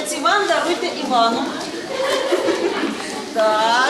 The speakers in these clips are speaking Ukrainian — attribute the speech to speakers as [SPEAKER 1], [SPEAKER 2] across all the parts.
[SPEAKER 1] Молодець, Іван, даруйте Івану. Так.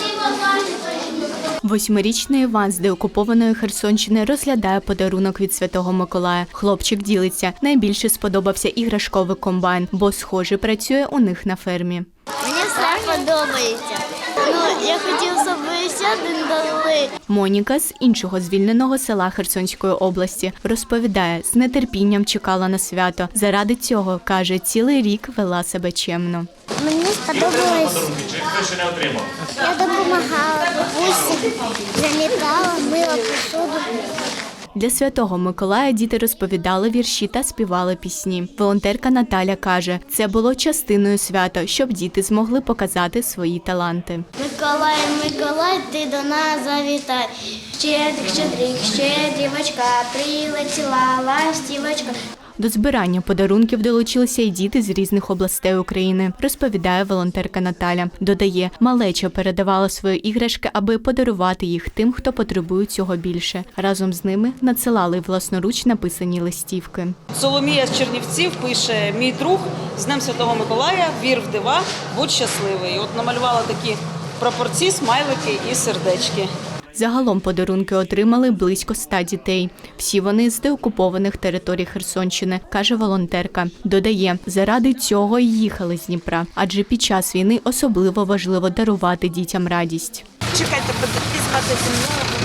[SPEAKER 2] 8-річний Іван з деокупованої Херсонщини розглядає подарунок від Святого Миколая. Хлопчик ділиться. Найбільше сподобався іграшковий комбайн, бо, схоже, працює у них на фермі.
[SPEAKER 3] Мені все подобається. Я хотів, щоб ще один дали.
[SPEAKER 2] Моніка з іншого звільненого села Херсонської області розповідає, з нетерпінням чекала на свято. Заради цього, каже, цілий рік вела себе чемно.
[SPEAKER 3] Мені сподобалось. Я допомагала бабусі, замітала, мила посуду.
[SPEAKER 2] Для Святого Миколая діти розповідали вірші та співали пісні. Волонтерка Наталя каже, це було частиною свята, щоб діти змогли показати свої таланти.
[SPEAKER 3] Миколай, Миколай, ти до нас завітай. Щедрик, щедрик, щедрівочка, прилетіла ластівочка.
[SPEAKER 2] До збирання подарунків долучилися й діти з різних областей України, розповідає волонтерка Наталя. Додає, малеча передавала свої іграшки, аби подарувати їх тим, хто потребує цього більше. Разом з ними надсилали власноруч написані листівки.
[SPEAKER 1] Соломія з Чернівців пише: «Мій друг, з Днем Святого Миколая, вір в дива, будь щасливий». От намалювала такі прапорці, смайлики і сердечки.
[SPEAKER 2] Загалом подарунки отримали близько 100 дітей. Всі вони з деокупованих територій Херсонщини, каже волонтерка. Додає, заради цього й їхали з Дніпра, адже під час війни особливо важливо дарувати дітям радість.
[SPEAKER 4] Чекайте, візьмете зі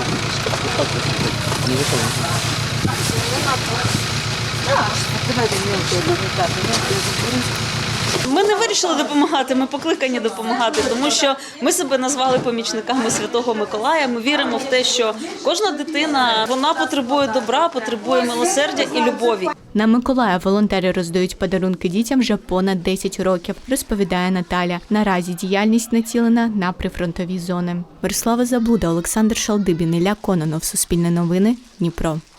[SPEAKER 1] Ми не вирішили допомагати, ми покликані допомагати, тому що ми себе назвали помічниками Святого Миколая. Ми віримо в те, що кожна дитина, вона потребує добра, потребує милосердя і любові.
[SPEAKER 2] На Миколая волонтери роздають подарунки дітям вже понад 10 років, розповідає Наталя. Наразі діяльність націлена на прифронтові зони. Мирослава Заблуда, Олександр Шалдибін, Ілля Кононов, Суспільне новини, Дніпро.